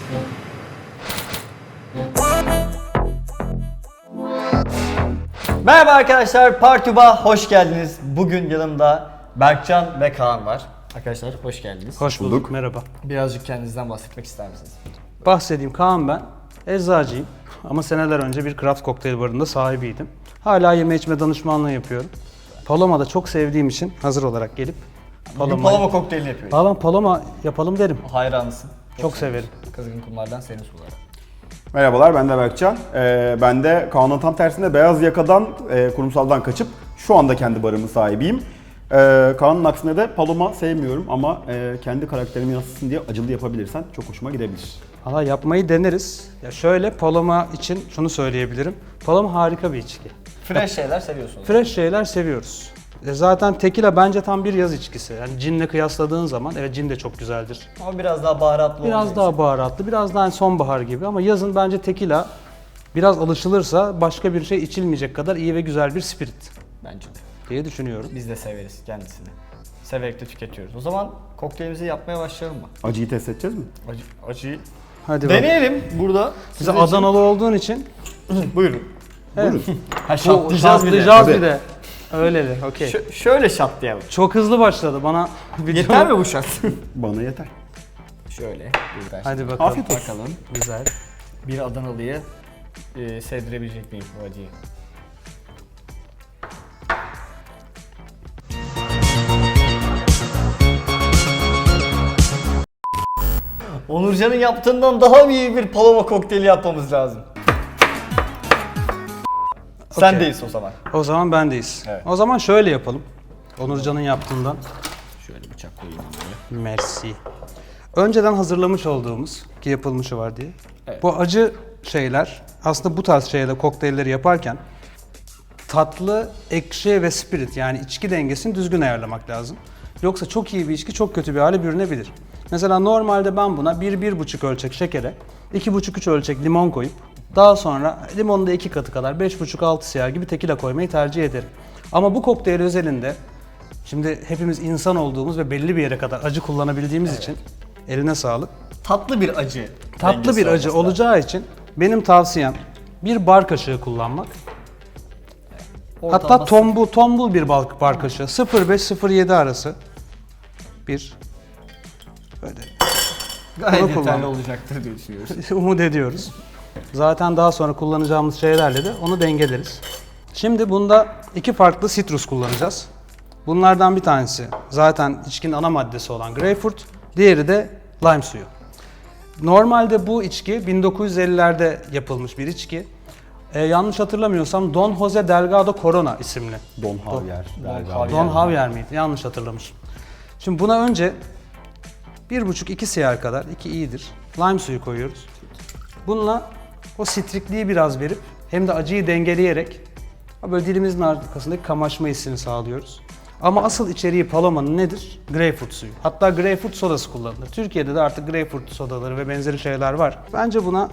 Merhaba arkadaşlar, Partuba hoş geldiniz. Bugün yanımda Berkcan ve Kaan var. Arkadaşlar hoş geldiniz. Hoş bulduk. Merhaba. Birazcık kendinizden bahsetmek ister misiniz? Bahsedeyim. Kaan ben. Eczacıyım. Ama seneler önce bir craft kokteyl barında sahibiydim. Hala yeme içme danışmanlığı yapıyorum. Paloma'da çok sevdiğim için hazır olarak gelip Bugün Paloma kokteylini yapıyoruz. Valla Paloma yapalım derim. Hayranısın. Çok severim. Kızgın kumlardan senin suları. Merhabalar, ben de Berkcan. Ben de Kaan'ın tam tersine beyaz yakadan, kurumsaldan kaçıp şu anda kendi barımın sahibiyim. Kaan'ın aksine de Paloma sevmiyorum ama kendi karakterimi yansıtsın diye acılı yapabilirsen çok hoşuma gidebilir. Valla yapmayı deneriz. Ya şöyle Paloma için şunu söyleyebilirim. Paloma harika bir içki. Fresh şeyler seviyorsunuz. Fresh şeyler seviyoruz. Zaten tekila bence tam bir yaz içkisi. Yani cinle kıyasladığın zaman, evet cin de çok güzeldir. Ama biraz daha baharatlı Biraz daha baharatlı, biraz daha sonbahar gibi ama yazın bence tekila biraz alışılırsa başka bir şey içilmeyecek kadar iyi ve güzel bir spirit bence de. diye düşünüyorum. Biz de severiz kendisini. Severek de tüketiyoruz. O zaman kokteylimizi yapmaya başlayalım mı? Acıyı test edeceğiz mi? Acıyı Hadi bak. deneyelim burada. Bize Adanalı olduğun için Buyurun. evet. Ha, şatlayacağız bir de. Şatlayacağız bir de. Öyle de, okey. Şöyle şatlayalım. Çok hızlı başladı bana. Yeter mi bu şat? Bana yeter. Şöyle. Hadi bakalım. Afiyet olsun. Bakalım. Güzel. Bir Adanalı'yı sevdirebilecek miyim bu acıyı? Onurcan'ın yaptığından daha iyi bir Paloma kokteyli yapmamız lazım. Sendeyiz o zaman. O zaman bendeyiz. Evet. O zaman şöyle yapalım. Onurcan'ın yaptığından. Şöyle bıçak koyayım buraya. Merci. Önceden hazırlamış olduğumuz, ki yapılmışı var diye. Evet. Bu acı şeyler, aslında bu tarz şeyler, kokteylleri yaparken tatlı, ekşi ve spirit yani içki dengesini düzgün ayarlamak lazım. Yoksa çok iyi bir içki çok kötü bir hale bürünebilir. Mesela normalde ben buna 1-1,5 ölçek şekere, 2,5-3 ölçek limon koyup daha sonra limonun da 2 katı kadar 5,5-6 siyah gibi tekila koymayı tercih ederim. Ama bu kokteyl özelinde şimdi hepimiz insan olduğumuz ve belli bir yere kadar acı kullanabildiğimiz için eline sağlık. Tatlı bir acı. Tatlı dengesi bir acı olması lazım. olacağı için benim tavsiyem bir bar kaşığı kullanmak. Ortalama Hatta tombul bir bar kaşığı 0,5-0,7 arası bir böyle gayet Bunu yeterli kullan. olacaktır diye düşünüyoruz. umut ediyoruz. Zaten daha sonra kullanacağımız şeylerle de onu dengeleriz. Şimdi bunda iki farklı sitrus kullanacağız. Bunlardan bir tanesi zaten içkinin ana maddesi olan greyfurt, diğeri de lime suyu. Normalde bu içki 1950'lerde yapılmış bir içki. Yanlış hatırlamıyorsam Don Jose Delgado Corona isimli. Don Javier. Don Javier miydi? Yanlış hatırlamışım. Şimdi buna önce 1,5-2 siyah kadar, 2 iyidir, lime suyu koyuyoruz. Bununla o sitrikliği biraz verip hem de acıyı dengeleyerek böyle dilimizin arkasındaki kamaşma hissini sağlıyoruz. Ama asıl içeriği Paloma'nın nedir? Greyfurt suyu. Hatta greyfurt sodası kullanılır. Türkiye'de de artık greyfurt sodaları ve benzeri şeyler var. Bence buna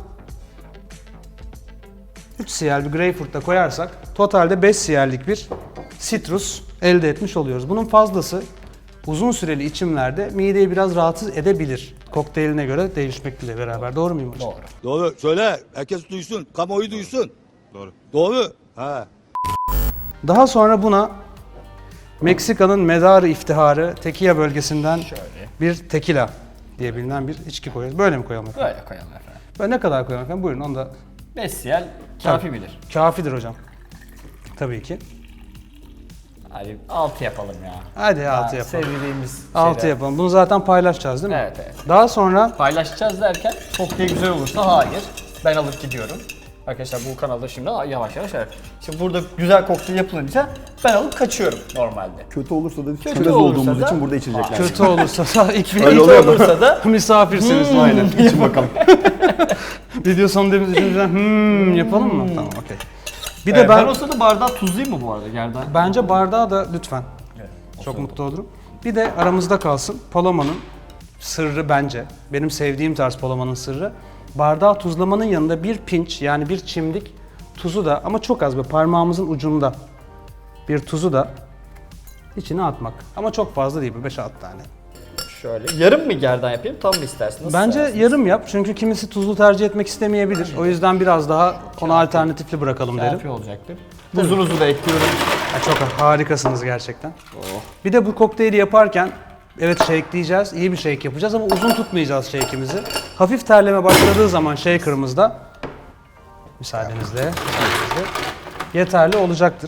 3 siyerli bir greyfurt da koyarsak totalde 5 siyerlik bir sitrus elde etmiş oluyoruz. Bunun fazlası uzun süreli içimlerde mideyi biraz rahatsız edebilir. Kokteyline göre değişmekle beraber. Doğru muyum hocam? Doğru. Doğru. Söyle. Herkes duysun. Kamuoyu duysun. Doğru. Doğru. Ha. Daha sonra buna Meksika'nın medarı iftiharı Tequila bölgesinden bir tequila diye bilinen bir içki koyuyoruz. Böyle mi koyalım efendim? Böyle koyalım efendim. Böyle ne kadar koyalım efendim? Buyurun onu da. 5 siyel kafi Tabii. bilir. Kafidir hocam. Tabii ki. Hadi 6 yapalım ya. Hadi 6 yapalım. Sevdiğimiz 6 şeyler. yapalım. Bunu zaten paylaşacağız değil mi? Evet, evet. Daha sonra Paylaşacağız derken kokteyl güzel olursa hayır. Ben alıp gidiyorum. Arkadaşlar bu kanalda şimdi yavaş yavaş evet. Şimdi burada güzel kokteyl yapılınca ben alıp kaçıyorum normalde. Kötü olursa da Kötü çömez olursa olduğumuz da- için burada içilecekler. kötü olursa da Kötü olursa da misafirsiniz. Aynen. İçin bakalım. Video sonu dediğimiz için yapalım mı? Tamam, okey. Bir de ben ben o sırada bardağı tuzlayayım mı bu arada gerdan? bence bardağı da lütfen. Çok mutlu olurum. Bir de aramızda kalsın. Paloma'nın sırrı bence. Benim sevdiğim tarz Paloma'nın sırrı. Bardağı tuzlamanın yanında bir pinç yani bir çimdik tuzu da ama çok az böyle parmağımızın ucunda bir tuzu da içine atmak. Ama çok fazla değil, 5-6 tane. Şöyle. Yarım mı gerdan yapayım, tam mı istersin? Nasıl Bence seversiniz? yarım yap çünkü kimisi tuzlu tercih etmek istemeyebilir. O yüzden biraz daha ona alternatifli bırakalım derim. Kafi olacaktır. Tuzunuzu da ekliyorum. Çok harikasınız gerçekten. Bir de bu kokteyli yaparken evet shakeleyeceğiz, iyi bir shake yapacağız ama uzun tutmayacağız shake'imizi. Hafif terleme başladığı zaman shaker'ımızda müsaadenizle yeterli olacaktır.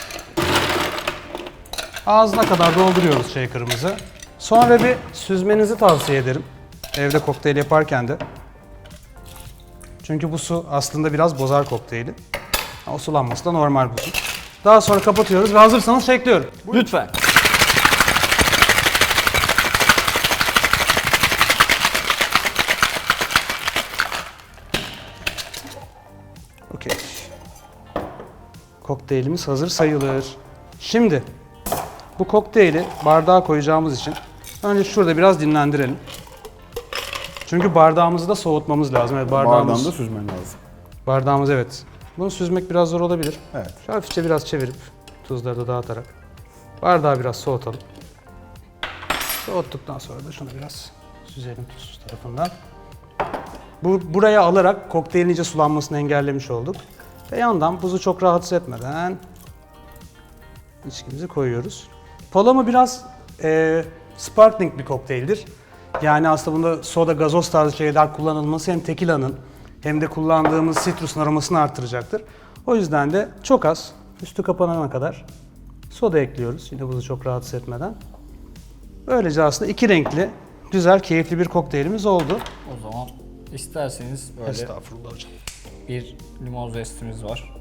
Ağzına kadar dolduruyoruz shaker'ımızı. Sonra bir süzmenizi tavsiye ederim. Evde kokteyl yaparken de. Çünkü bu su aslında biraz bozar kokteyli. O sulanması da normal bu su. Daha sonra kapatıyoruz ve hazırsanız shakeliyorum. Lütfen. Okey. Kokteylimiz hazır sayılır. Şimdi bu kokteyli bardağa koyacağımız için önce şurada biraz dinlendirelim. Çünkü bardağımızı da soğutmamız lazım. Evet, Bardağında süzmen lazım. bardağımız evet. Bunu süzmek biraz zor olabilir. Evet. Şöyle hafifçe biraz çevirip tuzları da dağıtarak bardağı biraz soğutalım. Soğuttuktan sonra da şunu biraz süzelim tuzsuz tarafından. Buraya alarak kokteylin iyice sulanmasını engellemiş olduk. Ve yandan buzu çok rahatsız etmeden içkimizi koyuyoruz. Paloma biraz sparkling bir kokteyldir. Yani aslında bunda soda, gazoz tarzı şeyler kullanılması hem tekilanın hem de kullandığımız sitrusun aromasını artıracaktır. O yüzden de çok az, üstü kapanana kadar soda ekliyoruz. Yine buzu çok rahatsız etmeden. Böylece aslında iki renkli, güzel, keyifli bir kokteylimiz oldu. O zaman isterseniz böyle Estağfurullah hocam. bir limon zestimiz var.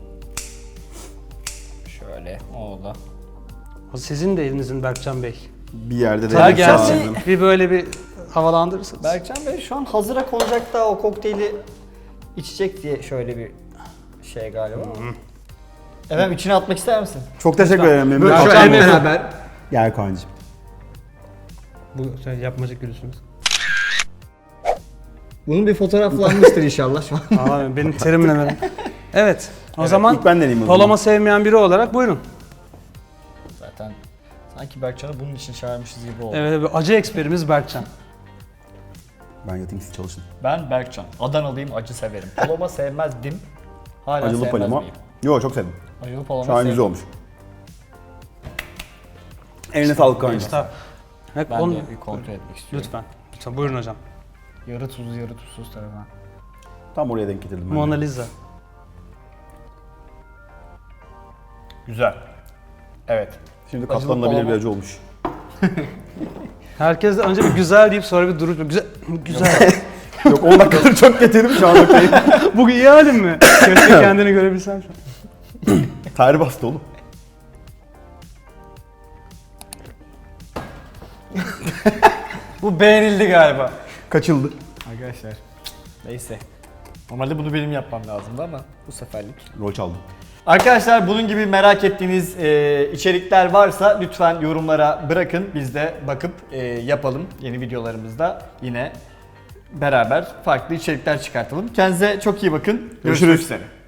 Şöyle, o da. Sizin de elinizin Berkcan Bey. Bir yerde de Tabii denk gelsin. lazım. Bir böyle bir havalandırırsınız. Berkcan Bey şu an hazıra konacak da o kokteyli içecek diye şöyle bir şey galiba. Efendim içine atmak ister misin? Çok teşekkür ederim. Memnun Böyle oldum. şu an beraber. Gel Kaan'cığım. Bu sen yapmacık gülüsünüz. Bunun bir fotoğraflanmıştır inşallah şu an. Aa, benim terimle mi? Evet. O zaman ilk ben deneyeyim o zaman. Paloma sevmeyen biri olarak buyurun. Zaten sanki Berkcan'ı bunun için çağırmışız gibi oldu. Evet, acı eksperimiz Berkcan. Ben yatayım siz çalışın. Ben Berkcan. Adanalıyım, acı severim. Paloma sevmezdim. Hala Acılı sevmez palama. miyim? Yo çok sevdim. Acılı palama Şu an güzel sevdim. olmuş. Eline sağlık Kaan'cığım. Evet, Ben de bir kontrol etmek istiyorum. Lütfen. Lütfen buyurun hocam. Yarı tuzlu, yarı tuzsuz tarafına. Tam oraya denk getirdim ben. Mona de. Lisa. Güzel. Evet. Şimdi Acılı katlanılabilir palama. bir acı olmuş. Herkes de önce bir güzel deyip sonra bir durup güzel. Güzel. Yok 10 dakikadır çok getirdim şu an okey. Bu iyi halin mi? Keşke kendini görebilsem şu an. Tarih bastı oğlum. Bu beğenildi galiba. Kaçıldı. Arkadaşlar. Neyse. Normalde bunu benim yapmam lazımdı ama bu seferlik. Rol çaldım. Arkadaşlar bunun gibi merak ettiğiniz içerikler varsa lütfen yorumlara bırakın. Biz de bakıp yapalım. Yeni videolarımızda yine beraber farklı içerikler çıkartalım. Kendinize çok iyi bakın. Görüşmek Görüşürüz. üzere.